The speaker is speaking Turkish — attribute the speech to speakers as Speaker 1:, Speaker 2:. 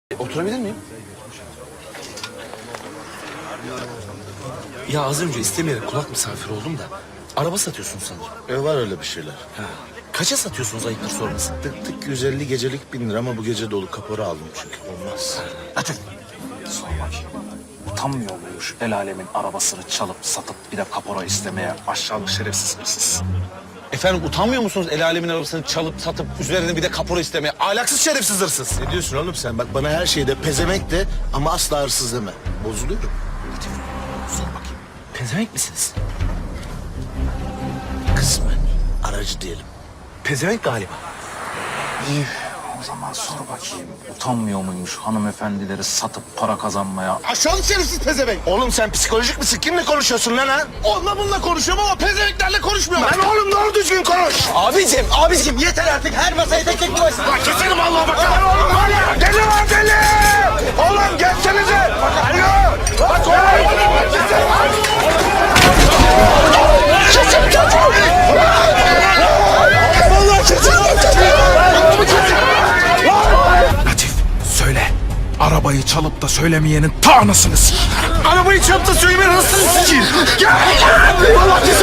Speaker 1: Oturabilir miyim? Ya az önce istemeyerek kulak misafiri oldum da araba satıyorsun sanırım.
Speaker 2: Var öyle bir şeyler.
Speaker 1: Ha. Kaça satıyorsunuz ayıptır sorması?
Speaker 2: Tık 150 gecelik 1000 lira ama bu gece dolu kapora aldım çünkü olmaz.
Speaker 3: Latif, sor bakayım. Utanmıyor muymuş el alemin arabasını çalıp satıp bir de kapora istemeye aşağılık şerefsiz hırsız?
Speaker 1: Efendim utanmıyor musunuz el alemin arabasını çalıp satıp üzerine bir de kapora istemeye? Ahlaksız şerefsiz hırsız.
Speaker 2: Ne diyorsun oğlum sen? Bak bana her şeyde pezemek de ama asla hırsız deme. Bozuluyorum.
Speaker 1: Latif, sor bakayım. Pezevenk misiniz?
Speaker 2: Kısmen. Aracı diyelim.
Speaker 1: Pezevenk galiba.
Speaker 3: O zaman sor bakayım. Utanmıyor muymuş hanımefendileri satıp para kazanmaya?
Speaker 2: Aşağılık şerefsiz pezevenk. Oğlum sen psikolojik misin? Kimle konuşuyorsun lan ha?
Speaker 1: Onunla bununla konuşuyorum ama pezevenklerle konuşmuyorum.
Speaker 2: Lan oğlum doğru düzgün konuş.
Speaker 1: Abicim yeter artık her masayı tek tek koysun.
Speaker 2: Bak keserim Allah'a bak. Lan oğlum var ya. Deli var deli. Oğlum gelsenize. Alo. Bak oğlum.
Speaker 4: Latif, söyle. Arabayı çalıp da söylemeyenin ta anasını sikeyim.
Speaker 2: Arabayı çarptı söylemeyin hırsını sikeyim. Gel lan. Allah